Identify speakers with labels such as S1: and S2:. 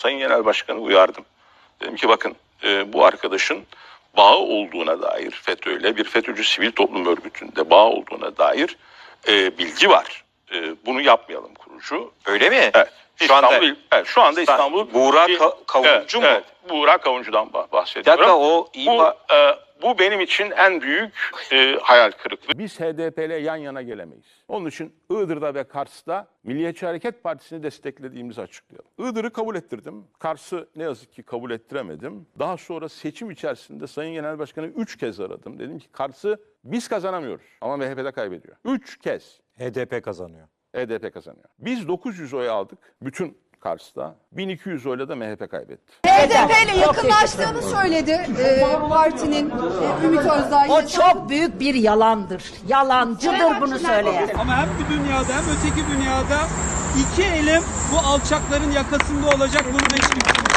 S1: Sayın Genel Başkan'ı uyardım. Dedim ki bakın bu arkadaşın bağı olduğuna dair FETÖ'yle bir FETÖ'cü sivil toplum örgütünde bağı olduğuna dair bilgi var. Bunu yapmayalım kurucu.
S2: Öyle mi?
S1: Evet. Şu anda
S2: Ben,
S1: İstanbul
S2: Buğra Kavuncu mu?
S1: Evet, Buğra Kavuncu'dan bahsediyorum.
S2: Dakika, o
S1: bu benim için en büyük hayal kırıklığı.
S3: Biz HDP ile yan yana gelemeyiz. Onun için Iğdır'da ve Kars'ta Milliyetçi Hareket Partisi'ni desteklediğimizi açıklayalım. Iğdır'ı kabul ettirdim. Kars'ı ne yazık ki kabul ettiremedim. Daha sonra seçim içerisinde Sayın Genel Başkan'ı 3 kez aradım. Dedim ki Kars'ı biz kazanamıyoruz ama MHP'de kaybediyor. 3 kez.
S4: HDP kazanıyor.
S3: HDP kazanıyor. Biz 900 oy aldık bütün Kars'ta. 1200 oyla da MHP kaybetti.
S5: HDP ile yakınlaştığını söyledi partinin Ümit Özdağ.
S6: O çok büyük bir yalandır. Yalancıdır bunu söyleyen.
S7: Ama hem bu dünyada hem öteki dünyada iki elim bu alçakların yakasında olacak, bunu da hiç kimse